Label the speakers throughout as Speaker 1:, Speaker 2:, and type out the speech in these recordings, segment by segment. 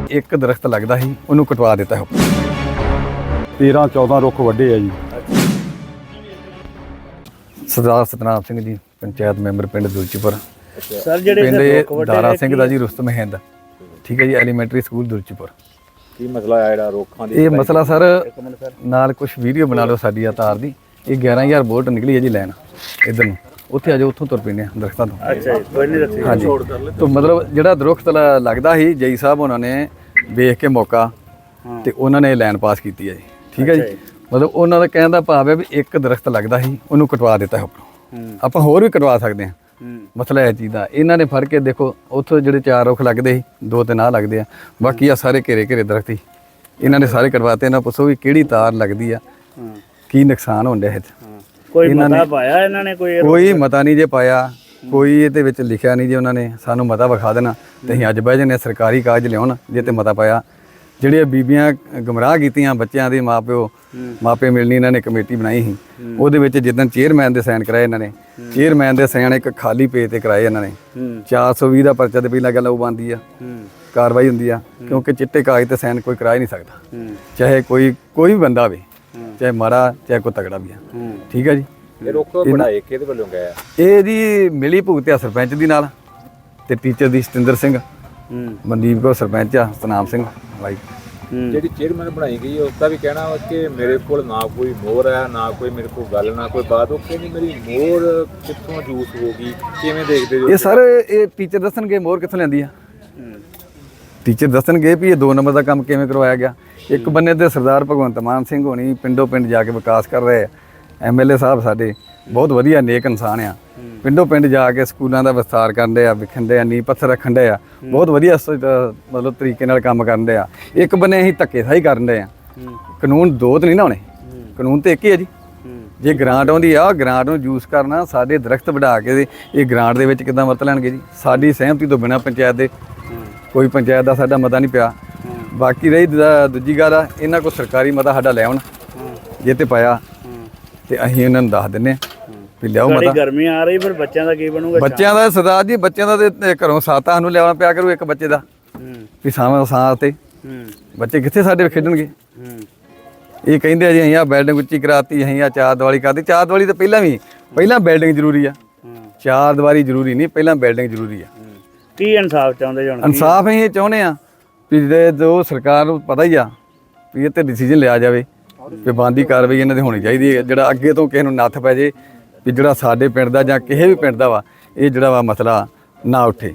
Speaker 1: ਇੱਕ ਦਰਖਤ ਲੱਗਦਾ ਸੀ ਉਹਨੂੰ ਕਟਵਾ ਦਿੱਤਾ ਹੈ।
Speaker 2: 13-14 ਰੁੱਖ ਵੱਡੇ ਆ ਜੀ।
Speaker 1: ਸਰਦਾਰ ਸਤਨਾਮ ਸਿੰਘ ਜੀ, ਪੰਚਾਇਤ ਮੈਂਬਰ ਪਿੰਡ ਦੁਲਚੀਪੁਰ।
Speaker 3: ਸਰ ਜਿਹੜੇ
Speaker 1: ਪਿੰਡ ਦਾਰਾ ਸਿੰਘ ਦਾ ਜੀ, ਰੁਸਤਮ ਹਿੰਦ, ਠੀਕ ਹੈ ਜੀ, ਐਲੀਮੈਂਟਰੀ ਸਕੂਲ ਦੁਲਚੀਪੁਰ।
Speaker 3: ਕੀ ਮਸਲਾ ਆ ਜਿਹੜਾ ਰੁੱਖਾਂ ਦੀ?
Speaker 1: ਇਹ ਮਸਲਾ ਸਰ ਨਾਲ ਕੁਝ ਵੀਡੀਓ ਬਣਾ ਲਓ ਸਾਡੀ ਆ ਤਾਰ ਦੀ। ਇਹ 11,000 ਵੋਲਟ ਨਿਕਲੀ ਹੈ ਜੀ ਲੈਣ ਇੱਧਰ ਨੂੰ, ਉੱਥੇ ਆ ਜਾਓ, ਉੱਥੋਂ ਤੁਰ ਪੈਂਦੇ ਆ ਦਰਖਤਾਂ ਤੋਂ।
Speaker 3: ਅੱਛਾ ਜੀ, ਕੋਈ ਨਹੀਂ ਦੱਸੀ।
Speaker 1: ਹਾਂਜੀ, ਤਾਂ ਮਤਲਬ ਜਿਹੜਾ ਦਰਖਤ ਲੱਗਦਾ ਸੀ ਜਈ ਸਾਹਿਬ ਉਹਨਾਂ ਨੇ ਵੇਖ ਕੇ ਮੌਕਾ ਤੇ ਉਹਨਾਂ ਨੇ ਲਾਈਨ ਪਾਸ ਕੀਤੀ ਹੈ ਜੀ, ਠੀਕ ਹੈ ਜੀ। ਮਤਲਬ ਉਹਨਾਂ ਦਾ ਕਹਿਣ ਦਾ ਭਾਵ ਹੈ ਵੀ ਇੱਕ ਦਰਖਤ ਲੱਗਦਾ ਸੀ ਉਹਨੂੰ ਕਟਵਾ ਦਿੱਤਾ ਹੈ ਉੱਪਰੋਂ। ਆਪਾਂ ਹੋਰ ਵੀ ਕਟਵਾ ਸਕਦੇ ਹਾਂ, ਮਸਲਾ ਇਹ ਚੀਜ਼ ਦਾ। ਇਹਨਾਂ ਨੇ ਫੜ ਕੇ ਦੇਖੋ, ਉੱਥੋਂ ਜਿਹੜੇ 4 ਰੁੱਖ ਲੱਗਦੇ ਸੀ 2-3 ਆ ਲੱਗਦੇ ਆ, ਬਾਕੀ ਆ ਸਾਰੇ ਘੇਰੇ ਦਰਖਤ ਸੀ, ਇਹਨਾਂ ਨੇ ਸਾਰੇ ਕਟਵਾਤੇ। ਇਹਨਾਂ ਪੁੱਛੋ ਵੀ ਕਿਹੜੀ ਤਾਰ ਲੱਗਦੀ ਆ, ਕੀ ਨੁਕਸਾਨ ਹੋਣ ਡਿਆ ਇਹ 'ਚ।
Speaker 3: ਕੋਈ ਮਤਾ ਪਾਇਆ ਇਹਨਾਂ ਨੇ?
Speaker 1: ਕੋਈ ਮਤਾ ਨਹੀਂ ਜੇ ਪਾਇਆ, ਕੋਈ ਇਹਦੇ ਵਿੱਚ ਲਿਖਿਆ ਨਹੀਂ ਜੇ। ਉਹਨਾਂ ਨੇ ਸਾਨੂੰ ਮਤਾ ਵਿਖਾ ਦੇਣਾ ਤੇ ਅਸੀਂ ਅੱਜ ਬਹਿ ਜਾਂਦੇ, ਸਰਕਾਰੀ ਕਾਗਜ਼ ਲਿਆਉਣ ਜੇ ਤੇ ਮਤਾ ਪਾਇਆ। ਜਿਹੜੀਆਂ ਬੀਬੀਆਂ ਗੁੰਮਰਾਹ ਕੀਤੀਆਂ ਬੱਚਿਆਂ ਦੇ ਮਾਪੇ ਮਿਲਣੀ, ਇਹਨਾਂ ਨੇ ਕਮੇਟੀ ਬਣਾਈ ਸੀ, ਉਹਦੇ ਵਿੱਚ ਜਿੱਦਣ ਚੇਅਰਮੈਨ ਦੇ ਸਾਈਨ ਕਰਾਏ ਇਹਨਾਂ ਨੇ, ਚੇਅਰਮੈਨ ਦੇ ਸਾਈਨ ਇੱਕ ਖਾਲੀ ਪੇਜ ਤੇ ਕਰਾਏ ਇਹਨਾਂ ਨੇ। 420 ਦਾ ਪਰਚਾ ਤੇ ਪਹਿਲਾਂ ਗੱਲ ਉਹ ਬਣਦੀ ਆ, ਕਾਰਵਾਈ ਹੁੰਦੀ ਆ, ਕਿਉਂਕਿ ਚਿੱਟੇ ਕਾਗਜ਼ ਤੇ ਸਾਈਨ ਕੋਈ ਕਰਾ ਹੀ ਨਹੀਂ ਸਕਦਾ, ਚਾਹੇ ਕੋਈ ਵੀ ਬੰਦਾ ਹੋਵੇ, ਚਾਹੇ ਮਾੜਾ ਚਾਹੇ ਕੋਈ ਤਗੜਾ ਵੀ ਆ, ਠੀਕ ਹੈ ਜੀ।
Speaker 3: ਇਹ ਰੁੱਖ ਬਣਾਏ ਕਿਹਦੇ ਵੱਲੋਂ ਗਏ ਆ?
Speaker 1: ਇਹ ਜੀ ਮਿਲੀ ਭੁਗਤ ਆ ਸਰਪੰਚ ਦੀ ਨਾਲ ਤੇ ਟੀਚਰ ਦੀ ਸਤਿੰਦਰ ਸਿੰਘ, ਮਨਦੀਪ ਕੌਰ ਸਰਪੰਚ ਆ, ਸਤਨਾਮ ਸਿੰਘ ਬਾਈ।
Speaker 3: ਜਿਹੜੀ ਚੇਅਰਮੈਨ ਬਣਾਈ ਗਈ ਉਸ ਦਾ ਵੀ ਕਹਿਣਾ ਵਾ ਕਿ ਮੇਰੇ ਕੋਲ ਨਾ ਕੋਈ ਮੋਹਰ ਹੈ, ਨਾ ਕੋਈ ਮੇਰੇ ਕੋਲ ਗੱਲ, ਨਾ ਕੋਈ ਬਾਤ। ਉਹ ਕਹਿੰਦੀ ਮੇਰੀ ਮੋਹਰ ਕਿੱਥੋਂ ਜੂਸ ਹੋ ਗਈ, ਕਿਵੇਂ ਦੇਖਦੇ ਹੋ?
Speaker 1: ਇਹ ਸਰ ਇਹ ਟੀਚਰ ਦੱਸਣਗੇ ਮੋਹਰ ਕਿੱਥੋਂ ਲੈਂਦੀ ਆ। ਟੀਚਰ ਦੱਸਣਗੇ ਵੀ ਇਹ 2 ਨੰਬਰ ਦਾ ਕੰਮ ਕਿਵੇਂ ਕਰਵਾਇਆ ਗਿਆ। ਇੱਕ ਬੰਨੇ ਤੇ ਸਰਦਾਰ ਭਗਵੰਤ ਮਾਨ ਸਿੰਘ ਹੋਣੀ ਪਿੰਡੋਂ ਪਿੰਡ ਜਾ ਕੇ ਵਿਕਾਸ ਕਰ ਰਹੇ ਆ। MLA ਸਾਹਿਬ ਸਾਡੇ ਬਹੁਤ ਵਧੀਆ ਨੇਕ ਇਨਸਾਨ ਆ, ਪਿੰਡੋਂ ਪਿੰਡ ਜਾ ਕੇ ਸਕੂਲਾਂ ਦਾ ਵਿਸਥਾਰ ਕਰਨ ਦੇ ਆ, ਵਿਖਣ ਦੇ ਆ, ਨੀਂਹ ਪੱਥਰ ਰੱਖਣ ਦੇ ਆ, ਬਹੁਤ ਵਧੀਆ ਮਤਲਬ ਤਰੀਕੇ ਨਾਲ ਕੰਮ ਕਰਨ ਦੇ ਆ। ਇੱਕ ਬੰਨੇ ਅਸੀਂ ਧੱਕੇਸ਼ਾਹੀ ਕਰਨ ਦੇ ਆ। ਕਾਨੂੰਨ 2 ਤਾਂ ਨਹੀਂ ਨਾ ਹੋਣੇ, ਕਾਨੂੰਨ ਤੇ ਇੱਕ ਹੀ ਹੈ ਜੀ। ਜੇ ਗ੍ਰਾਂਟ ਆਉਂਦੀ ਆ, ਗ੍ਰਾਂਟ ਨੂੰ ਯੂਜ਼ ਕਰਨਾ, ਸਾਡੇ ਦਰਖਤ ਵਢਾ ਕੇ ਇਹ ਗ੍ਰਾਂਟ ਦੇ ਵਿੱਚ ਕਿੱਦਾਂ ਵਰਤ ਲੈਣਗੇ ਜੀ? ਸਾਡੀ ਸਹਿਮਤੀ ਤੋਂ ਬਿਨਾਂ ਪੰਚਾਇਤ ਦੇ, ਕੋਈ ਪੰਚਾਇਤ ਦਾ ਸਾਡਾ ਮਤਾ ਨਹੀਂ ਪਿਆ। ਬਾਕੀ ਰਹੀ ਦੂਜੀ ਗੱਲ ਆ, ਇਹਨਾਂ ਕੋਲ ਸਰਕਾਰੀ ਮਤਾ ਸਾਡਾ ਲੈ ਆਉਣ, ਜੇ ਤੇ ਪਾਇਆ ਤੇ ਅਸੀਂ ਇਹਨਾਂ ਨੂੰ ਦੱਸ ਦਿੰਨੇ ਵੀ ਲਿਆਓ ਮਤਾ।
Speaker 3: ਗਰਮੀ ਆ ਰਹੀ, ਫਿਰ ਬੱਚਿਆਂ ਦਾ ਕੀ ਬਣੂਗਾ?
Speaker 1: ਬੱਚਿਆਂ ਦਾ ਸਰਦਾਰ ਜੀ, ਬੱਚਿਆਂ ਦਾ ਤੇ ਘਰੋਂ ਸਾਤਾ ਸਾਨੂੰ ਲਿਆਉਣਾ ਪਿਆ ਕਰੂ ਇੱਕ ਬੱਚੇ ਦਾ, ਵੀ ਸਾਹ ਤੇ ਬੱਚੇ ਕਿੱਥੇ ਸਾਡੇ ਖੇਡਣਗੇ? ਇਹ ਕਹਿੰਦੇ ਆ ਜੀ ਅਸੀਂ ਆ ਬਿਲਡਿੰਗ ਉੱਚੀ ਕਰਾਤੀ, ਅਸੀਂ ਆ 4 ਦੀਵਾਰੀ ਕਰਤੀ। 4 ਦੀਵਾਰੀ ਤਾਂ ਪਹਿਲਾਂ ਬਿਲਡਿੰਗ ਜ਼ਰੂਰੀ ਆ, 4 ਦੀਵਾਰੀ ਜ਼ਰੂਰੀ ਨਹੀਂ, ਪਹਿਲਾਂ ਬਿਲਡਿੰਗ ਜ਼ਰੂਰੀ ਆ।
Speaker 3: ਕੀ ਇਨਸਾਫ ਚਾਹੁੰਦੇ ਜੀ?
Speaker 1: ਇਨਸਾਫ ਅਸੀਂ ਇਹ ਚਾਹੁੰਦੇ ਆ ਵੀ ਜੋ ਸਰਕਾਰ ਨੂੰ ਪਤਾ ਹੀ ਆ ਵੀ ਇਹ ਤੇ ਡਿਸੀਜਨ ਲਿਆ ਜਾਵੇ ਵੀ ਬਣਦੀ ਕਾਰਵਾਈ ਇਹਨਾਂ ਦੀ ਹੋਣੀ ਚਾਹੀਦੀ ਹੈ। ਜਿਹੜਾ ਅੱਗੇ ਤੋਂ ਕਿਸੇ ਨੂੰ ਨੱਥ ਪੈ ਜੇ ਵੀ ਜਿਹੜਾ ਸਾਡੇ ਪਿੰਡ ਦਾ ਜਾਂ ਕਿਸੇ ਵੀ ਪਿੰਡ ਦਾ ਵਾ, ਇਹ ਜਿਹੜਾ ਵਾ ਮਸਲਾ ਨਾ ਉੱਠੇ।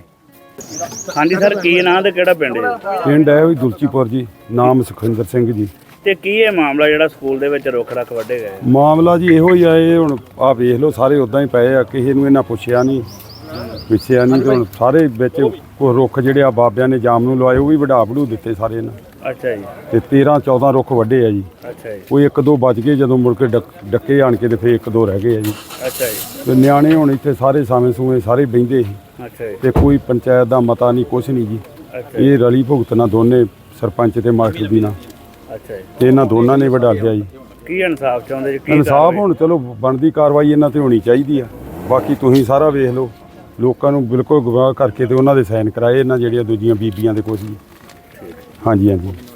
Speaker 3: ਹਾਂਜੀ ਸਰ, ਕੀ ਨਾਂ ਤੇ ਕਿਹੜਾ ਪਿੰਡ ਹੈ?
Speaker 2: ਪਿੰਡ ਹੈ ਵੀ ਦੁਲਚੀਪੁਰ ਜੀ, ਨਾਮ ਸੁਖਿੰਦਰ ਸਿੰਘ ਜੀ।
Speaker 3: ਤੇ ਕੀ ਇਹ ਮਾਮਲਾ ਜਿਹੜਾ ਸਕੂਲ ਦੇ ਵਿੱਚ ਰੁੱਖ ਰੱਖ ਵੱਢੇ ਗਏ?
Speaker 2: ਮਾਮਲਾ ਜੀ ਇਹੋ ਹੀ ਆ। ਇਹ ਹੁਣ ਆ ਵੇਖ ਲਓ, ਸਾਰੇ ਉਦਾਂ ਹੀ ਪਏ ਆ, ਕਿਸੇ ਨੂੰ ਇਹਨਾਂ ਪੁੱਛਿਆ ਨਹੀਂ ਪਿੱਛਿਆ ਨਹੀਂ। ਤੇ ਹੁਣ ਸਾਰੇ ਵਿੱਚ ਕੋਈ ਰੁੱਖ ਜਿਹੜੇ ਆ ਬਾਬਿਆਂ ਨੇ ਜਾਮ ਨੂੰ ਲਵਾਏ, ਉਹ ਵੀ ਵਢਾ ਦਿੱਤੇ ਸਾਰੇ ਇਹਨਾਂ।
Speaker 3: ਅੱਛਾ ਜੀ।
Speaker 2: ਤੇ 13-14 ਰੁੱਖ ਵੱਡੇ ਆ ਜੀ।
Speaker 3: ਅੱਛਾ ਜੀ।
Speaker 2: ਕੋਈ 1-2 ਬਚ ਗਏ, ਜਦੋਂ ਮੁੜ ਕੇ ਡੱਕੇ ਆਣ ਕੇ ਤੇ ਫਿਰ 1-2 ਰਹਿ ਗਏ ਆ ਜੀ।
Speaker 3: ਅੱਛਾ ਜੀ।
Speaker 2: ਤੇ ਨਿਆਣੇ ਹੁਣ ਇੱਥੇ ਸਾਰੇ ਸਾਵੇਂ ਸਾਰੇ ਬਹਿੰਦੇ ਸੀ।
Speaker 3: ਅੱਛਾ ਜੀ।
Speaker 2: ਤੇ ਕੋਈ ਪੰਚਾਇਤ ਦਾ ਮਤਾ ਨਹੀਂ, ਕੁਛ ਨਹੀਂ ਜੀ।
Speaker 3: ਅੱਛਾ।
Speaker 2: ਇਹ ਰਲੀ ਭੁਗਤਣਾ ਦੋਨੇ ਸਰਪੰਚ ਤੇ ਮਾਸਟਰ ਦੀ ਨਾਲ।
Speaker 3: ਅੱਛਾ ਜੀ।
Speaker 2: ਤੇ ਇਹਨਾਂ ਦੋਨਾਂ ਨੇ ਵਢਾ ਲਿਆ ਜੀ।
Speaker 3: ਕੀ ਇਨਸਾਫ ਚਾਹੁੰਦੇ ਜੀ?
Speaker 2: ਇਨਸਾਫ ਹੁਣ ਚਲੋ ਬਣਦੀ ਕਾਰਵਾਈ ਇਹਨਾਂ ਤੇ ਹੋਣੀ ਚਾਹੀਦੀ ਆ। ਬਾਕੀ ਤੁਸੀਂ ਸਾਰਾ ਵੇਖ ਲਓ, ਲੋਕਾਂ ਨੂੰ ਬਿਲਕੁਲ ਗਵਾਹ ਕਰਕੇ ਤੇ ਉਹਨਾਂ ਦੇ ਸਾਈਨ ਕਰਾਏ ਇਹਨਾਂ ਜਿਹੜੀਆਂ ਦੂਜੀਆਂ ਬੀਬੀਆਂ ਦੇ ਕੁਝ ਜੀ। ਹਾਂਜੀ।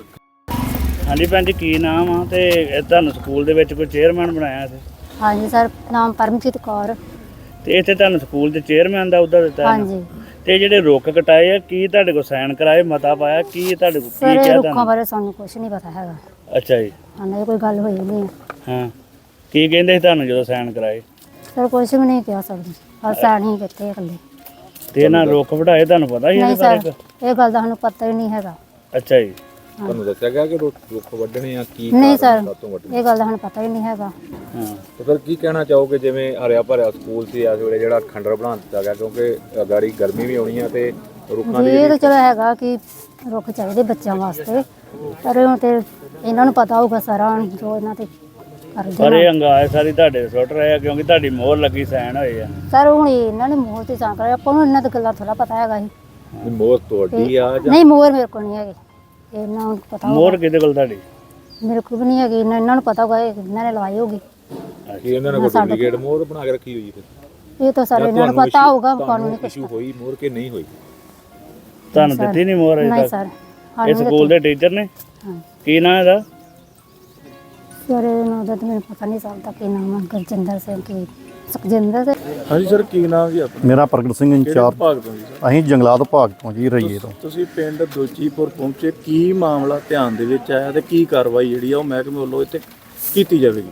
Speaker 3: ਹਾਂਜੀ ਭੈਣ ਜੀ, ਕੀ ਨਾਮ ਆ ਤੇ ਤੁਹਾਨੂੰ ਸਕੂਲ ਦੇ ਵਿੱਚ ਕੋਈ ਚੇਅਰਮੈਨ ਬਣਾਇਆ ਸੀ?
Speaker 4: ਹਾਂਜੀ ਸਰ, ਨਾਮ ਪਰਮਜੀਤ ਕੌਰ।
Speaker 3: ਤੇ ਇੱਥੇ ਤੁਹਾਨੂੰ ਸਕੂਲ ਦੇ ਚੇਅਰਮੈਨ ਦਾ ਅਹੁਦਾ ਦਿੱਤਾ ਹੈ?
Speaker 4: ਹਾਂਜੀ।
Speaker 3: ਤੇ ਜਿਹੜੇ ਰੁੱਖ ਕਟਾਏ ਆ, ਕੀ ਤੁਹਾਡੇ ਕੋਲ ਸਾਈਨ ਕਰਾਏ, ਮਤਾ ਪਾਇਆ, ਕੀ ਤੁਹਾਡੇ ਕੋਲ
Speaker 4: ਸਰ
Speaker 3: ਕੀ
Speaker 4: ਇਹ
Speaker 3: ਕਿਹਾ
Speaker 4: ਰੁੱਖਾਂ
Speaker 3: ਤੁਹਾਨੂੰ?
Speaker 4: ਬਾਰੇ ਸਾਨੂੰ ਕੁਝ ਨਹੀਂ ਪਤਾ ਹੈਗਾ।
Speaker 3: ਅੱਛਾ ਜੀ।
Speaker 4: ਹਾਂ, ਕੋਈ ਗੱਲ ਹੋਈ ਨਹੀਂ
Speaker 3: ਹਾਂ, ਕੀ ਕਹਿੰਦੇ ਸੀ ਤੁਹਾਨੂੰ ਜਦੋਂ ਸਾਈਨ ਕਰਾਏ?
Speaker 4: ਸਰ ਕੁਝ ਵੀ ਨਹੀਂ ਕਿਹਾ ਸਕਦੀ, ਬਸ ਸਾਣੀ ਕਿੱਥੇ ਇਕੱਲੇ।
Speaker 3: ਤੇ ਇਹਨਾਂ ਰੁੱਖ ਵਢਾਏ ਤੁਹਾਨੂੰ ਪਤਾ ਹੀ
Speaker 4: ਨਹੀਂ
Speaker 3: ਇਹਦੇ
Speaker 4: ਸਰ,
Speaker 3: ਬਾਰੇ?
Speaker 4: ਇਹ ਗੱਲ ਦਾ ਸਾਨੂੰ ਪਤਾ ਹੀ ਨਹੀਂ ਹੈਗਾ।
Speaker 3: ਅੱਛਾ ਜੀ। ਤੁਹਾਨੂੰ ਦੱਸਿਆ ਗਿਆ ਕਿ ਰੁੱਖ ਵੱਢਣੇ ਆ? ਕੀ
Speaker 4: ਨਹੀਂ ਸਰ, ਇਹ ਗੱਲ ਦਾ ਸਾਨੂੰ ਪਤਾ ਹੀ ਨਹੀਂ ਹੈਗਾ।
Speaker 3: ਹਾਂ, ਤੇ ਫਿਰ ਕੀ ਕਹਿਣਾ ਚਾਹੋਗੇ? ਜਿਵੇਂ ਹਰਿਆ ਭਰਿਆ ਸਕੂਲ ਸੀ, ਇਸ ਵੇਲੇ ਜਿਹੜਾ ਖੰਡਰ ਬਣਾ ਦਿੱਤਾ ਗਿਆ, ਕਿਉਂਕਿ ਗਾੜੀ ਗਰਮੀ ਵੀ ਆਉਣੀ ਆ ਤੇ ਰੁੱਖਾਂ
Speaker 4: ਜੀ ਇਹ ਤਾਂ ਚਲੋ ਹੈਗਾ ਕਿ ਰੁੱਖ ਚਾਹੀਦੇ ਬੱਚਿਆਂ ਵਾਸਤੇ, ਪਰ ਹੁਣ ਤੇ ਇਹਨਾਂ ਨੂੰ ਪਤਾ ਹੋਊਗਾ ਸਾਰਾ ਜੋ ਇਹਨਾਂ ਤੇ ਕਰਦੇ
Speaker 3: ਸਾਰੇ ਅੰਗਾਏ ਸਾਰੀ ਤੁਹਾਡੇ ਸੁੱਟ ਰਹੇ ਆ, ਕਿਉਂਕਿ ਤੁਹਾਡੀ ਮੋਹਰ ਲੱਗੀ ਸਾਈਨ ਹੋਏ ਆ।
Speaker 4: ਸਰ ਹੁਣ ਇਹਨਾਂ ਨੇ ਮੋਹਰ ਤੇ ਸਾਂ ਕਰਿਆ, ਆਪਾਂ ਨੂੰ ਇਹਨਾਂ ਦੀ ਗੱਲਾਂ ਥੋੜਾ ਪਤਾ ਹੈਗਾ ਸੀ।
Speaker 3: ਮੋਹਰ ਤੁਹਾਡੀ ਆ ਜਾਂ?
Speaker 4: ਨਹੀਂ, ਮੋਹਰ ਮੇਰੇ ਕੋਲ ਨਹੀਂ ਹੈਗੀ, ਇਹਨਾਂ ਨੂੰ ਪਤਾ ਹੋਊਗਾ।
Speaker 3: ਮੋਹਰ ਕਿਹਦੇ ਕੋਲ ਤੁਹਾਡੀ?
Speaker 4: ਮੇਰੇ ਕੋਲ ਵੀ ਨਹੀਂ ਹੈਗੀ, ਇਹਨਾਂ ਨੂੰ ਪਤਾ ਹੋਗਾ, ਇਹਨਾਂ ਨੇ ਲਵਾਈ ਹੋਗੀ।
Speaker 3: ਕੀ ਇਹਨਾਂ ਨੇ ਕੋਈ ਡੁਪਲੀਕੇਟ ਮੋਹਰ ਬਣਾ ਕੇ ਰੱਖੀ ਹੋਈ ਫਿਰ?
Speaker 4: ਇਹ ਤਾਂ ਸਾਰੇ ਇਹਨਾਂ ਨੂੰ ਪਤਾ ਹੋਊਗਾ, ਕਾਨੂੰਨੀ ਕੁਛ
Speaker 3: ਇਸ਼ੂ ਹੋਈ ਮੋਹਰ ਕੇ ਨਹੀਂ ਹੋਈ? ਤੁਹਾਨੂੰ ਦਿੱਤੀ ਨਹੀਂ ਮੋਹਰ?
Speaker 4: ਨਹੀਂ ਸਰ, ਸਾਨੂੰ ਵੀ
Speaker 5: ਸਕੂਲ ਦੇ ਟੀਚਰ ਨੇ?
Speaker 4: ਹਾਂ
Speaker 5: ਕੀ ਨਾਂ ਇਹਦਾ?
Speaker 4: ਸਰ ਇਹਨਾਂ ਦਾ ਤਾਂ ਮੈਨੂੰ ਪਤਾ ਨਹੀਂ ਸਕਦਾ ਕੀ ਨਾਮ ਹੈ, ਗੁਰਜਿੰਦਰ ਸਿੰਘ ਕੀ ਸੁਖਜਿੰਦਰ ਸਿੰਘ।
Speaker 6: ਹਾਂਜੀ ਸਰ, ਕੀ ਨਾਮ ਜੀ ਆਪਣਾ?
Speaker 7: ਮੇਰਾ ਪ੍ਰਗਟ ਸਿੰਘ ਇੰਚਾਰਜ।
Speaker 6: ਭਾਗ ਤੋਂ ਜੀ ਸਰ?
Speaker 7: ਅਸੀਂ ਜੰਗਲਾਤ ਵਿਭਾਗ ਤੋਂ ਜੀ, ਰਈਏ ਤੋਂ।
Speaker 6: ਤੁਸੀਂ ਪਿੰਡ ਦੁਲਚੀਪੁਰ ਪਹੁੰਚੇ, ਕੀ ਮਾਮਲਾ ਧਿਆਨ ਦੇ ਵਿੱਚ ਆਇਆ ਤੇ ਕੀ ਕਾਰਵਾਈ ਜਿਹੜੀ ਆ ਉਹ ਮਹਿਕਮੇ ਵੱਲੋਂ ਇੱਥੇ ਕੀਤੀ ਜਾਵੇਗੀ?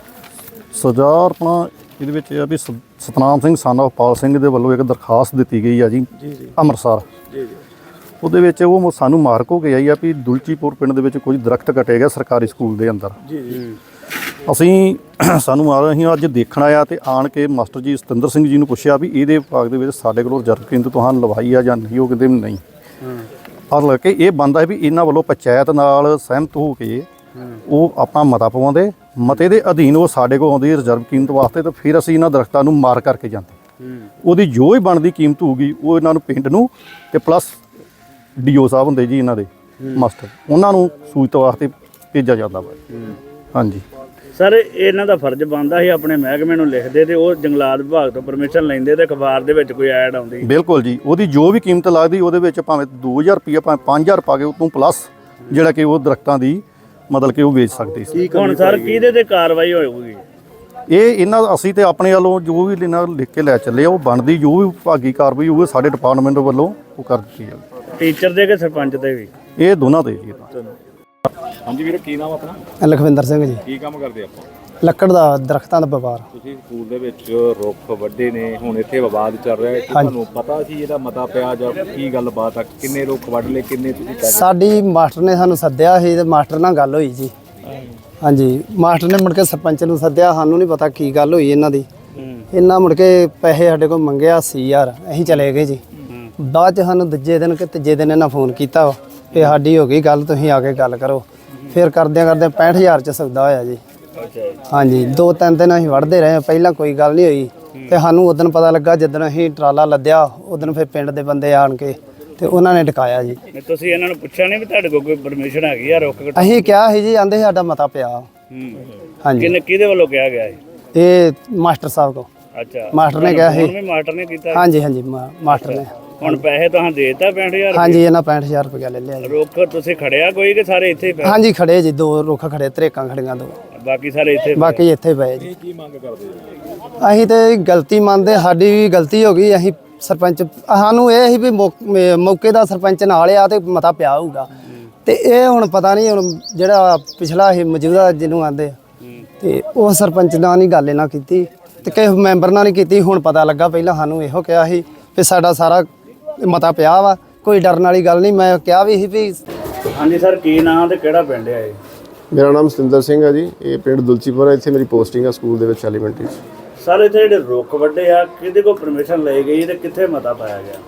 Speaker 7: ਸਜ਼ਾ ਆਪਣਾ ਇਹਦੇ ਵਿੱਚ ਇਹ ਆ ਵੀ ਸਤਨਾਮ ਸਿੰਘ son of ਪਾਲ ਸਿੰਘ ਦੇ ਵੱਲੋਂ ਇੱਕ ਦਰਖਾਸਤ ਦਿੱਤੀ ਗਈ ਆ ਜੀ
Speaker 6: ਜੀ ਜੀ
Speaker 7: ਅੰਮ੍ਰਿਤਸਰ।
Speaker 6: ਜੀ ਜੀ
Speaker 7: ਉਹਦੇ ਵਿੱਚ ਉਹ ਸਾਨੂੰ ਮਾਰਕ ਹੋ ਕੇ ਆਈ ਆ ਵੀ ਦੁਲਚੀਪੁਰ ਪਿੰਡ ਦੇ ਵਿੱਚ ਕੁਝ ਦਰਖਤ ਕੱਟੇ ਗਏ ਸਰਕਾਰੀ ਸਕੂਲ ਦੇ ਅੰਦਰ।
Speaker 6: ਜੀ ਜੀ
Speaker 7: ਅਸੀਂ ਅਸੀਂ ਅੱਜ ਦੇਖਣ ਆਇਆ ਤੇ ਆਣ ਕੇ ਮਾਸਟਰ ਜੀ ਸਤਿੰਦਰ ਸਿੰਘ ਜੀ ਨੂੰ ਪੁੱਛਿਆ ਵੀ ਇਹਦੇ ਵਿਭਾਗ ਦੇ ਵਿੱਚ ਸਾਡੇ ਕੋਲ ਰਿਜ਼ਰਵ ਕੇਂਦਰ ਤੁਹਾਨੂੰ ਲਵਾਈ ਆ ਜਾਂ ਨਹੀਂ। ਉਹ ਕਹਿੰਦੇ ਵੀ ਨਹੀਂ। ਔਰ ਲੱਗ ਕੇ ਇਹ ਬੰਦਾ ਵੀ ਇਹਨਾਂ ਵੱਲੋਂ ਪੰਚਾਇਤ ਨਾਲ ਸਹਿਮਤ ਹੋ ਕੇ ਉਹ ਆਪਣਾ ਮਤਾ ਪਵਾਉਂਦੇ, ਮਤੇ ਦੇ ਅਧੀਨ ਉਹ ਸਾਡੇ ਕੋਲ ਆਉਂਦੀ ਰਿਜ਼ਰਵ ਕੀਮਤ ਵਾਸਤੇ, ਤੇ ਫਿਰ ਅਸੀਂ ਇਹਨਾਂ ਦਰਖਤਾਂ ਨੂੰ ਮਾਰ ਕਰਕੇ ਜਾਂਦੇ। ਉਹਦੀ ਜੋ ਹੀ ਬਣਦੀ ਕੀਮਤ ਹੋਊਗੀ ਉਹ ਇਹਨਾਂ ਨੂੰ ਪਿੰਡ ਨੂੰ ਤੇ ਪਲੱਸ ਡੀਓ ਸਾਹਿਬ ਹੁੰਦੇ ਜੀ ਇਹਨਾਂ ਦੇ ਮਾਸਟਰ, ਉਹਨਾਂ ਨੂੰ ਸੂਚਿਤ ਵਾਸਤੇ ਭੇਜਿਆ ਜਾਂਦਾ ਵਾ। ਹਾਂਜੀ
Speaker 5: ਸਰ ਇਹਨਾਂ ਦਾ ਫਰਜ਼ ਬਣਦਾ ਸੀ ਆਪਣੇ ਮਹਿਕਮੇ ਨੂੰ ਲਿਖਦੇ ਤੇ ਉਹ ਜੰਗਲਾਤ ਵਿਭਾਗ ਤੋਂ ਪਰਮਿਸ਼ਨ ਲੈਂਦੇ ਤੇ ਅਖਬਾਰ ਦੇ ਵਿੱਚ ਕੋਈ ਐਡ ਆਉਂਦੀ।
Speaker 7: ਬਿਲਕੁਲ ਜੀ, ਉਹਦੀ ਜੋ ਵੀ ਕੀਮਤ ਲੱਗਦੀ ਉਹਦੇ ਵਿੱਚ ਭਾਵੇਂ 2000 ਰੁਪਈਆ ਭਾਵੇਂ 5000 ਪਾ ਕੇ ਉਹ ਤੋਂ ਪਲੱਸ ਜਿਹੜਾ ਕਿ ਉਹ ਦਰਖਤਾਂ ਦੀ ਮਤਲਬ ਕਿ ਉਹ ਵੇਚ ਸਕਦੇ ਸੀ।
Speaker 5: ਹੁਣ ਸਰ ਕਿਹਦੇ ਤੇ ਕਾਰਵਾਈ ਹੋਊਗੀ?
Speaker 7: ਇਹ ਇਹਨਾਂ ਅਸੀਂ ਤੇ ਆਪਣੇ ਵੱਲੋਂ ਜੋ ਵੀ ਇਹਨਾਂ ਲਿਖ ਕੇ ਲੈ ਚੱਲੇ ਆ ਉਹ ਬਣਦੀ ਜੋ ਵੀ ਵਿਭਾਗੀ ਕਾਰਵਾਈ ਹੋਊਗੀ ਸਾਡੇ ਡਿਪਾਰਟਮੈਂਟ ਵੱਲੋਂ ਉਹ ਕਰ ਦਿੱਤੀ ਜਾਵੇ।
Speaker 5: ਟੀਚਰ ਦੇ ਕਿ ਸਰਪੰਚ ਦੇ ਵੀ?
Speaker 7: ਇਹ ਦੋਨਾਂ ਦੇ ਜੀ।
Speaker 3: ਹਾਂਜੀ ਵੀਰ, ਕੀ ਨਾਮ ਆਪਣਾ?
Speaker 8: ਲਖਵਿੰਦਰ ਸਿੰਘ ਜੀ।
Speaker 3: ਕੀ ਕੰਮ ਕਰਦੇ ਆਪਾਂ?
Speaker 8: ਲੱਕੜ ਦਾ, ਦਰਖਤਾਂ ਦਾ ਵਪਾਰ।
Speaker 3: ਤੁਸੀਂ ਸਕੂਲ ਦੇ ਵਿੱਚ ਰੁੱਖ ਵੱਡੇ ਨੇ, ਹੁਣ ਇੱਥੇ ਵਿਵਾਦ ਚੱਲ ਰਿਹਾ ਹੈ, ਤੁਹਾਨੂੰ ਪਤਾ ਸੀ ਇਹਦਾ ਮਤਾ ਪਿਆ ਜਾਂ ਕੀ ਗੱਲਬਾਤ ਆ? ਕਿੰਨੇ ਰੁੱਖ ਵੱਢ ਲਏ, ਕਿੰਨੇ ਤੁਸੀਂ ਕਹਿ?
Speaker 8: ਸਾਡੀ ਮਾਸਟਰ ਨੇ ਸਾਨੂੰ ਸੱਦਿਆ ਸੀ ਤੇ ਮਾਸਟਰ ਨਾਲ ਗੱਲ ਹੋਈ ਜੀ। ਹਾਂਜੀ, ਮਾਸਟਰ ਨੇ ਮੁੜ ਕੇ ਸਰਪੰਚ ਨੂੰ ਸੱਦਿਆ, ਸਾਨੂੰ ਨਹੀਂ ਪਤਾ ਕੀ ਗੱਲ ਹੋਈ ਇਹਨਾਂ ਦੀ। ਇਹਨਾਂ ਮੁੜ ਕੇ ਪੈਸੇ ਸਾਡੇ ਕੋਲ ਮੰਗਿਆ 80000, ਅਸੀਂ ਚਲੇ ਗਏ ਜੀ। ਬਾਅਦ ਚ ਸਾਨੂੰ ਦੂਜੇ ਦਿਨ ਕਿ ਤੀਜੇ ਦਿਨ ਇਹਨਾਂ ਫੋਨ ਕੀਤਾ ਕਿ ਸਾਡੀ ਹੋ ਗਈ ਗੱਲ, ਤੁਸੀਂ ਆ ਕੇ ਗੱਲ ਕਰੋ। ਫਿਰ ਕਰਦਿਆਂ 65000 ਚ ਸੌਦਾ ਹੋਇਆ ਜੀ। ਹਾਂਜੀ, 2-3 ਦਿਨ ਅਸੀਂ ਵੜਦੇ ਰਹੇ, ਪਹਿਲਾਂ ਕੋਈ ਗੱਲ ਨਹੀਂ ਹੋਈ ਤੇ ਸਾਨੂੰ ਉਦੋਂ ਪਤਾ ਲੱਗਾ ਜਦੋਂ ਅਸੀਂ ਟਰਾਲਾ ਲੱਦਿਆ, ਉਦੋਂ ਫਿਰ ਪਿੰਡ ਦੇ ਬੰਦੇ ਆਣ ਕੇ ਤੇ ਉਹਨਾਂ ਨੇ ਟਿਕਾਇਆ ਜੀ।
Speaker 5: ਤੁਸੀਂ ਇਹਨਾਂ ਨੂੰ ਪੁੱਛਿਆ ਨਹੀਂ ਵੀ ਤੁਹਾਡੇ ਕੋਲ ਕੋਈ ਪਰਮਿਸ਼ਨ ਹੈਗੀ ਆ ਰੁੱਖ ਕੱਟਣ?
Speaker 8: ਅਸੀਂ ਕਿਹਾ ਸੀ ਜੀ, ਆਂਦੇ ਸਾਡਾ ਮਤਾ ਪਿਆ। ਹਾਂਜੀ,
Speaker 5: ਕਿਹਦੇ ਵੱਲੋਂ ਕਿਹਾ ਗਿਆ ਹੈ?
Speaker 8: ਇਹ ਮਾਸਟਰ ਸਾਹਿਬ ਕੋ।
Speaker 5: ਅੱਛਾ,
Speaker 8: ਮਾਸਟਰ ਨੇ ਕਿਹਾ ਸੀ।
Speaker 5: ਹੁਣ ਵੀ ਮਾਸਟਰ ਨੇ ਕੀਤਾ?
Speaker 8: ਹਾਂਜੀ ਹਾਂਜੀ, ਮਾਸਟਰ ਨੇ।
Speaker 5: ਹੁਣ ਪੈਸੇ ਤਾਂ ਦੇਤਾ 65000?
Speaker 8: ਹਾਂਜੀ, ਇਹਨਾਂ 65000 ਰੁਪਇਆ ਲੈ ਲਿਆ ਜੀ।
Speaker 5: ਰੁੱਖ ਤੁਸੀਂ ਖੜਿਆ ਕੋਈ ਕਿ ਸਾਰੇ ਇੱਥੇ ਹੀ ਪਏ?
Speaker 8: ਹਾਂਜੀ, ਖੜੇ ਜੀ, 2 ਰੁੱਖ ਖੜੇ, ਤਰੇਕਾਂ ਖੜੀਆਂ 2,
Speaker 5: ਬਾਕੀ ਸਾਰੇ ਇੱਥੇ ਪਏ?
Speaker 8: ਬਾਕੀ ਇੱਥੇ ਪਏ ਜੀ।
Speaker 3: ਕੀ ਮੰਗ ਕਰਦੇ ਹੋ?
Speaker 8: ਅਸੀਂ ਤੇ ਗਲਤੀ ਮੰਨਦੇ, ਸਾਡੀ ਵੀ ਗਲਤੀ ਹੋ ਗਈ। ਅਸੀਂ ਸਰਪੰਚ, ਸਾਨੂੰ ਇਹ ਸੀ ਵੀ ਮੌਕੇ ਦਾ ਸਰਪੰਚ ਨਾਲ ਆ ਤੇ ਮਤਾ ਪਿਆ ਹੋਊਗਾ, ਤੇ ਇਹ ਹੁਣ ਪਤਾ ਨਹੀਂ, ਹੁਣ ਜਿਹੜਾ ਪਿਛਲਾ ਸੀ ਮੌਜੂਦਾ ਜਿਹਨੂੰ ਆਂਦੇ ਤੇ ਉਹ ਸਰਪੰਚ ਨਾਲ ਨਹੀਂ ਗੱਲ ਇਹਨਾਂ ਕੀਤੀ ਤੇ ਕਿਸੇ ਮੈਂਬਰ ਨਾਲ ਨਹੀਂ ਕੀਤੀ। ਹੁਣ ਪਤਾ ਲੱਗਾ, ਪਹਿਲਾਂ ਸਾਨੂੰ ਇਹੋ ਕਿਹਾ ਸੀ ਵੀ ਸਾਡਾ ਸਾਰਾ ਮਤਾ ਪਿਆ ਵਾ, ਕੋਈ ਡਰਨ ਵਾਲੀ ਗੱਲ ਨਹੀਂ। ਮੈਂ ਕਿਹਾ ਵੀ ਸੀ ਵੀ।
Speaker 5: ਹਾਂਜੀ ਸਰ, ਕੀ ਨਾਂ ਤੇ ਕਿਹੜਾ ਪਿੰਡ ਹੈ ਇਹ?
Speaker 9: ਮੇਰਾ ਨਾਮ ਸਤਿੰਦਰ ਸਿੰਘ ਹੈ ਜੀ। ਇਹ ਪਿੰਡ ਦੁਲਚੀਪੁਰ ਹੈ, ਇੱਥੇ ਮੇਰੀ ਪੋਸਟਿੰਗ ਹੈ ਸਕੂਲ ਦੇ ਵਿੱਚ ਐਲੀਮੈਂਟਰੀ 'ਚ।
Speaker 5: ਸਰ ਇੱਥੇ ਜਿਹੜੇ ਰੁੱਖ ਵੱਡੇ ਆ, ਕਿਹਦੇ ਕੋਲ ਪਰਮਿਸ਼ਨ ਲਈ ਗਈ ਤੇ ਕਿੱਥੇ ਮਤਾ ਪਾਇਆ ਗਿਆ?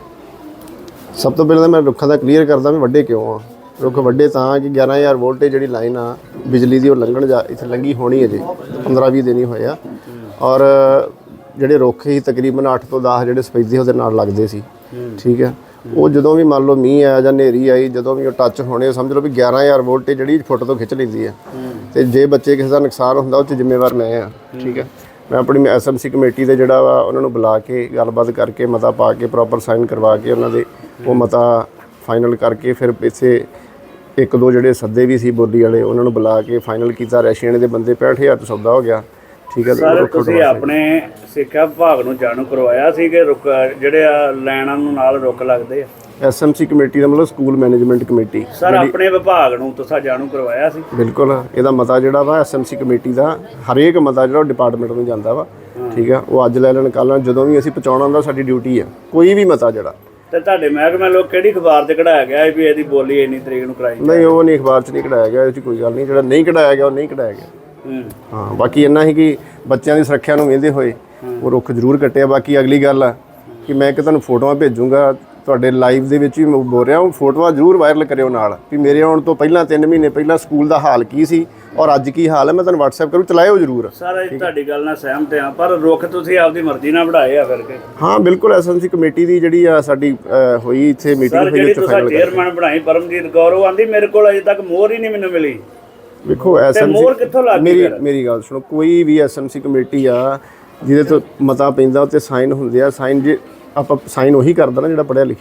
Speaker 9: ਸਭ ਤੋਂ ਪਹਿਲਾਂ ਤਾਂ ਮੈਂ ਰੁੱਖਾਂ ਦਾ ਕਲੀਅਰ ਕਰਦਾ ਵੀ ਵੱਡੇ ਕਿਉਂ ਆ। ਰੁੱਖ ਵੱਡੇ ਤਾਂ ਕਿ 11000 ਵੋਲਟੇਜ ਜਿਹੜੀ ਲਾਈਨ ਆ ਬਿਜਲੀ ਦੀ ਉਹ ਇੱਥੇ ਲੰਗੀ ਹੋਣੀ ਹੈ ਜੀ। 15-20 ਦਿਨ ਹੀ ਹੋਏ ਆ। ਔਰ ਜਿਹੜੇ ਰੁੱਖ ਸੀ ਤਕਰੀਬਨ 8 ਤੋਂ 10 ਜਿਹੜੇ ਸਫੈਦੇ ਉਹਦੇ ਨਾਲ ਲੱਗਦੇ ਸੀ। ਠੀਕ ਹੈ, ਉਹ ਜਦੋਂ ਵੀ ਮੰਨ ਲਓ ਮੀਂਹ ਆਇਆ ਜਾਂ ਹਨੇਰੀ ਆਈ, ਜਦੋਂ ਵੀ ਉਹ ਟੱਚ ਹੋਣੇ, ਸਮਝ ਲਓ ਵੀ 11000 ਵੋਲਟੇਜ ਜਿਹੜੀ ਫੁੱਟ ਤੋਂ ਖਿੱਚ ਲੈਂਦੀ ਹੈ। ਤੇ ਜੇ ਬੱਚੇ ਕਿਸੇ ਦਾ ਨੁਕਸਾਨ ਹੁੰਦਾ ਉਹ 'ਚ ਜ਼ਿੰਮੇਵਾਰ ਮੈਂ ਆ। ਠੀਕ ਹੈ, ਮੈਂ ਆਪਣੀ ਐਸਐਮਸੀ ਕਮੇਟੀ ਦੇ ਜਿਹੜਾ ਵਾ ਉਹਨਾਂ ਨੂੰ ਬੁਲਾ ਕੇ ਗੱਲਬਾਤ ਕਰਕੇ ਮਤਾ ਪਾ ਕੇ ਪ੍ਰੋਪਰ ਸਾਈਨ ਕਰਵਾ ਕੇ ਉਹਨਾਂ ਦੇ ਉਹ ਮਤਾ ਫਾਈਨਲ ਕਰਕੇ ਫਿਰ ਇੱਥੇ 1-2 ਜਿਹੜੇ ਸੱਦੇ ਵੀ ਸੀ ਬੋਲੀ ਵਾਲੇ ਉਹਨਾਂ ਨੂੰ ਬੁਲਾ ਕੇ ਫਾਈਨਲ ਕੀਤਾ। ਰੈਸ਼ੀਅਨ ਦੇ ਬੰਦੇ 65000 ਤੋਂ ਸੌਦਾ ਹੋ ਗਿਆ। ਠੀਕ ਹੈ
Speaker 5: ਸਰ, ਤੁਸੀਂ ਆਪਣੇ ਸਿੱਖਿਆ ਵਿਭਾਗ ਨੂੰ ਜਾਣੂ ਕਰਵਾਇਆ ਸੀ ਕਿ ਰੁੱਖ ਜਿਹੜੇ ਆ ਲਾਈਨਾਂ ਨੂੰ ਨਾਲ ਰੁੱਖ ਲੱਗਦੇ ਆ?
Speaker 9: ਐਸਐਮਸੀ ਕਮੇਟੀ ਦਾ ਮਤਲਬ ਸਕੂਲ ਮੈਨੇਜਮੈਂਟ ਕਮੇਟੀ।
Speaker 5: ਸਰ, ਆਪਣੇ ਵਿਭਾਗ ਨੂੰ ਤੁਸੀਂ ਜਾਣੂ ਕਰਵਾਇਆ ਸੀ?
Speaker 9: ਬਿਲਕੁਲ, ਇਹਦਾ ਮਤਾ ਜਿਹੜਾ ਵਾ ਐਸਐਮਸੀ ਕਮੇਟੀ ਦਾ ਹਰੇਕ ਮਤਾ ਜਿਹੜਾ ਡਿਪਾਰਟਮੈਂਟ ਨੂੰ ਜਾਂਦਾ ਵਾ। ਠੀਕ ਆ, ਉਹ ਅੱਜ ਲੈ ਲੈਣ ਕੱਲ੍ਹ ਲੈਣ, ਜਦੋਂ ਵੀ ਅਸੀਂ ਪਹੁੰਚਾਉਣਾ ਹੁੰਦਾ ਸਾਡੀ ਡਿਊਟੀ ਆ। ਕੋਈ ਵੀ ਮਤਾ ਜਿਹੜਾ
Speaker 5: ਤੇ ਤੁਹਾਡੇ ਮਹਿਕਮੇ ਲੋਕ ਕਿਹੜੀ ਅਖਬਾਰ 'ਤੇ ਕਢਾਇਆ ਗਿਆ ਵੀ ਇਹਦੀ ਬੋਲੀ ਇੰਨੀ ਤਰੀਕ ਨੂੰ ਕਰਾਈ?
Speaker 9: ਨਹੀਂ, ਉਹ ਨਹੀਂ ਅਖਬਾਰ 'ਚ ਨਹੀਂ ਕਢਾਇਆ ਗਿਆ। ਇਹ 'ਚ ਕੋਈ ਗੱਲ ਨਹੀਂ, ਜਿਹੜਾ ਨਹੀਂ ਕਢਾਇਆ ਗਿਆ ਉਹ ਨਹੀਂ ਕਢਾਇਆ ਗਿਆ। ਹਾਂ, ਬਾਕੀ ਇੰਨਾ ਹੀ ਕਿ ਬੱਚਿਆਂ ਦੀ ਸੁਰੱਖਿਆ ਨੂੰ ਵੇਂਦੇ ਹੋਏ ਉਹ ਰੁੱਖ ਜ਼ਰੂਰ ਕੱਟਿਆ। ਬਾਕੀ ਅਗਲੀ ਗੱਲ ਆ ਕਿ ਮੈਂ ਕਿ ਤੁਹਾਨੂੰ ਫੋਟੋਆਂ ਭੇਜੂੰਗਾ ਤੁਹਾਡੇ ਲਾਈਵ ਦੇ ਵਿੱਚ ਵੀ ਮੈਂ ਬੋਲ ਰਿਹਾ, ਉਹ ਫੋਟੋਆਂ ਜ਼ਰੂਰ ਵਾਇਰਲ ਕਰਿਓ ਨਾਲ ਵੀ ਮੇਰੇ ਆਉਣ ਤੋਂ ਪਹਿਲਾਂ 3 ਮਹੀਨੇ ਪਹਿਲਾਂ ਸਕੂਲ ਦਾ ਹਾਲ ਕੀ ਸੀ ਔਰ ਅੱਜ ਕੀ ਹਾਲ ਹੈ। ਮੈਂ ਤੁਹਾਨੂੰ WhatsApp ਕਰੂ, ਚਲਾਇਓ ਜ਼ਰੂਰ।
Speaker 5: ਸਰ, ਤੁਹਾਡੀ ਗੱਲ ਨਾਲ ਸਹਿਮਤ ਹਾਂ, ਪਰ ਰੁੱਖ ਤੁਸੀਂ ਆਪਦੀ ਮਰਜ਼ੀ ਨਾਲ ਵਧਾਏ ਆ ਕਰਕੇ?
Speaker 9: ਹਾਂ ਬਿਲਕੁਲ, ਐਸਐਮਸੀ ਕਮੇਟੀ ਦੀ ਜਿਹੜੀ ਆ ਸਾਡੀ ਹੋਈ ਇੱਥੇ ਮੀਟਿੰਗ ਹੋਈ,
Speaker 5: ਜਿਹੜੀ ਤੁਸੀਂ ਚੇਅਰਮੈਨ ਬਣਾਈ ਪਰਮਜੀਤ ਕੌਰ, ਉਹ ਆਂਦੀ ਮੇਰੇ ਕੋਲ ਅਜੇ ਤੱਕ ਮੋਹਰ ਹੀ ਨਹੀਂ ਮੈਨੂੰ ਮਿਲੀ।
Speaker 9: ਵੇਖੋ ਐਸਐਮਸੀ, ਮੇਰੀ ਗੱਲ ਸੁਣੋ, ਕੋਈ ਵੀ ਐਸਐਮਸੀ ਕਮੇਟੀ ਆ ਜਿਹਦੇ ਤੋਂ ਮਤਾ ਪੈਂਦਾ ਉੱਤੇ ਸਾਈਨ ਹੁੰਦੇ ਆ। ਸਾਈਨ ਜੇ ਆਪਾਂ ਸਾਈਨ ਉਹੀ ਕਰਦਾ ਨਾ ਜਿਹੜਾ ਪੜ੍ਹਿਆ ਲਿਖਿਆ ਵਾ।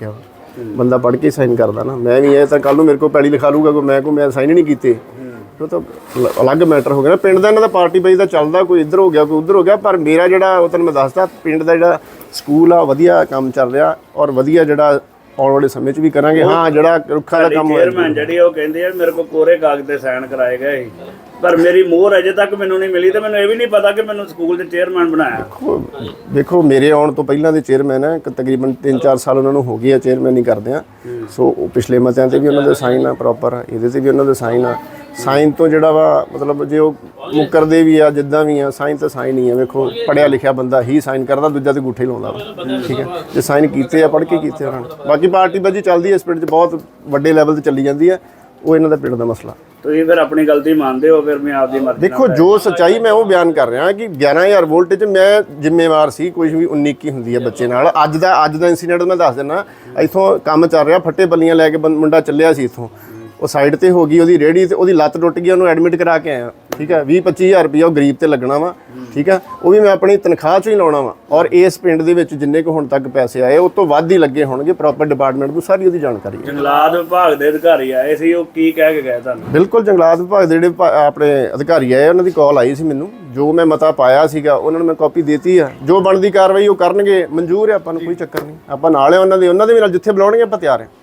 Speaker 9: ਬੰਦਾ ਪੜ੍ਹ ਕੇ ਸਾਈਨ ਕਰਦਾ ਨਾ। ਮੈਂ ਵੀ ਇਹ ਤਾਂ ਕੱਲ ਨੂੰ ਮੇਰੇ ਕੋਲ ਪੈਲੀ ਲਿਖਾ ਲੂਗਾ ਕੋਈ, ਮੈਂ ਸਾਈਨ ਨਹੀਂ ਕੀਤੇ, ਉਹ ਤਾਂ ਅਲੱਗ ਮੈਟਰ ਹੋ ਗਿਆ ਨਾ। ਪਿੰਡ ਦਾ ਇਹਨਾਂ ਦਾ ਪਾਰਟੀ ਬਾਈ ਦਾ ਚੱਲਦਾ, ਕੋਈ ਇੱਧਰ ਹੋ ਗਿਆ ਕੋਈ ਉੱਧਰ ਹੋ ਗਿਆ, ਪਰ ਮੇਰਾ ਜਿਹੜਾ ਉਹ ਤੁਹਾਨੂੰ ਮੈਂ ਦੱਸਦਾ ਪਿੰਡ ਦਾ ਜਿਹੜਾ ਸਕੂਲ ਆ ਵਧੀਆ ਕੰਮ ਚੱਲ ਰਿਹਾ ਔਰ ਵਧੀਆ ਜਿਹੜਾ ਆਉਣ ਵਾਲੇ ਸਮੇਂ 'ਚ ਵੀ ਕਰਾਂਗੇ। ਹਾਂ ਜਿਹੜਾ ਰੁੱਖਾਂ ਦਾ ਕੰਮ ਹੋਇਆ
Speaker 5: ਚੇਅਰਮੈਨ ਜਿਹੜੀ ਉਹ ਕਹਿੰਦੇ ਆ ਮੇਰੇ ਕੋਲ ਕੋਰੇ ਕਾਗਜ਼ ਤੇ ਸਾਈਨ ਕਰਾਏ ਗਏ ਸੀ, ਪਰ ਮੇਰੀ ਮੋਹਰ ਅਜੇ ਤੱਕ ਮੈਨੂੰ ਨਹੀਂ ਮਿਲੀ ਤੇ ਮੈਨੂੰ ਇਹ ਵੀ ਨਹੀਂ ਪਤਾ ਕਿ ਮੈਨੂੰ ਸਕੂਲ ਦੇ ਚੇਅਰਮੈਨ ਬਣਾਇਆ।
Speaker 9: ਦੇਖੋ ਮੇਰੇ ਆਉਣ ਤੋਂ ਪਹਿਲਾਂ ਦੇ ਚੇਅਰਮੈਨ ਆ, ਤਕਰੀਬਨ 3-4 ਸਾਲ ਉਹਨਾਂ ਨੂੰ ਹੋ ਗਏ ਆ ਚੇਅਰਮੈਨ ਹੀ ਕਰਦੇ ਆ। ਸੋ ਉਹ ਪਿਛਲੇ ਮਤਿਆਂ ਤੇ ਵੀ ਉਹਨਾਂ ਦੇ ਸਾਈਨ ਆ ਪ੍ਰੋਪਰ, ਇਹਦੇ ਤੇ ਵੀ ਉਹਨਾਂ ਦੇ ਸਾਈਨ ਆ। ਸਾਈਨ ਤੋਂ ਜਿਹੜਾ ਵਾ ਮਤਲਬ ਜੇ ਉਹ ਮੁੱਕਰਦੇ ਵੀ ਆ ਜਿੱਦਾਂ ਵੀ ਆ, ਸਾਈਨ ਤਾਂ ਸਾਈਨ ਹੀ ਆ। ਵੇਖੋ ਪੜ੍ਹਿਆ ਲਿਖਿਆ ਬੰਦਾ ਹੀ ਸਾਈਨ ਕਰਦਾ, ਦੂਜਾ ਤੇ ਅੰਗੂਠੇ ਲਾਉਂਦਾ ਵਾ, ਠੀਕ ਹੈ। ਜੇ ਸਾਈਨ ਕੀਤੇ ਆ, ਪੜ੍ਹ ਕੇ ਕੀਤੇ ਉਹਨਾਂ ਨੇ। ਬਾਕੀ ਪਾਰਟੀ ਬਾਜੀ ਚੱਲਦੀ ਹੈ ਇਸ ਪਿੰਡ 'ਚ, ਬਹੁਤ ਵੱਡੇ ਲੈਵਲ ਤੇ ਚੱਲੀ ਜਾਂਦੀ ਹੈ, ਉਹ ਇਹਨਾਂ ਦਾ ਪਿੰਡ ਦਾ ਮਸਲਾ।
Speaker 5: ਤੁਸੀਂ ਫਿਰ ਆਪਣੀ ਗਲਤੀ ਮੰਨਦੇ ਹੋ? ਫਿਰ ਮੈਂ ਆਪਦੀ ਮਰਜ਼ੀ
Speaker 9: ਦੇਖੋ ਜੋ ਸੱਚਾਈ ਮੈਂ ਉਹ ਬਿਆਨ ਕਰ ਰਿਹਾ ਕਿ 11000 ਵੋਲਟ 'ਚ ਮੈਂ ਜ਼ਿੰਮੇਵਾਰ ਸੀ। ਕੋਈ ਵੀ 19-21 ਹੁੰਦੀ ਹੈ ਬੱਚੇ ਨਾਲ। ਅੱਜ ਦਾ ਇੰਸੀਡੈਂਟ ਮੈਂ ਦੱਸ ਦਿੰਦਾ। ਇੱਥੋਂ ਕੰਮ ਚੱਲ ਰਿਹਾ, ਫੱਟੇ ਬੱਲੀਆਂ ਲੈ ਕੇ ਮੁੰਡਾ ਚੱਲਿਆ ਸੀ ਇੱਥੋਂ, ਉਹ ਸਾਈਡ ਤੇ ਹੋ ਗਈ ਉਹਦੀ ਰੇਹੜੀ ਤੇ ਉਹਦੀ ਲੱਤ ਟੁੱਟ ਗਈ, ਉਹਨੂੰ ਐਡਮਿਟ ਕਰਾ ਕੇ ਆਇਆ, ਠੀਕ ਹੈ। 20-25000 ਰੁਪਇਆ ਉਹ ਗਰੀਬ ਤੇ ਲੱਗਣਾ ਵਾ, ਠੀਕ ਹੈ। ਉਹ ਵੀ ਮੈਂ ਆਪਣੀ ਤਨਖਾਹ 'ਚੋਂ ਹੀ ਲਾਉਣਾ ਵਾ। ਔਰ ਇਸ ਪਿੰਡ ਦੇ ਵਿੱਚ ਜਿੰਨੇ ਕੁ ਹੁਣ ਤੱਕ ਪੈਸੇ ਆਏ ਉਸ ਤੋਂ ਵੱਧ ਹੀ ਲੱਗੇ ਹੋਣਗੇ। ਪ੍ਰੋਪਰ ਡਿਪਾਰਟਮੈਂਟ ਨੂੰ ਸਾਰੀ ਉਹਦੀ ਜਾਣਕਾਰੀ ਹੈ।
Speaker 5: ਜੰਗਲਾਤ ਵਿਭਾਗ ਦੇ ਅਧਿਕਾਰੀ ਆਏ ਸੀ, ਉਹ ਕੀ ਕਹਿ ਕੇ ਗਏ ਤੁਹਾਨੂੰ?
Speaker 9: ਬਿਲਕੁਲ ਜੰਗਲਾਤ ਵਿਭਾਗ ਦੇ ਜਿਹੜੇ ਆਪਣੇ ਅਧਿਕਾਰੀ ਆਏ ਉਹਨਾਂ ਦੀ ਕਾਲ ਆਈ ਸੀ ਮੈਨੂੰ, ਜੋ ਮੈਂ ਮਤਾ ਪਾਇਆ ਸੀਗਾ ਉਹਨਾਂ ਨੂੰ ਮੈਂ ਕਾਪੀ ਦੇਤੀ ਆ। ਜੋ ਬਣਦੀ ਕਾਰਵਾਈ ਉਹ ਕਰਨਗੇ, ਮਨਜ਼ੂਰ ਹੈ, ਆਪਾਂ ਨੂੰ ਕੋਈ ਚੱਕਰ ਨਹੀਂ। ਆਪਾਂ ਨਾਲ ਹੈ ਉਹਨਾਂ ਦੇ ਵੀ ਨਾਲ, ਜਿੱਥੇ ਬੁਲਾਉਣਗੇ ਆਪਾਂ ਤਿਆਰ ਹਾਂ।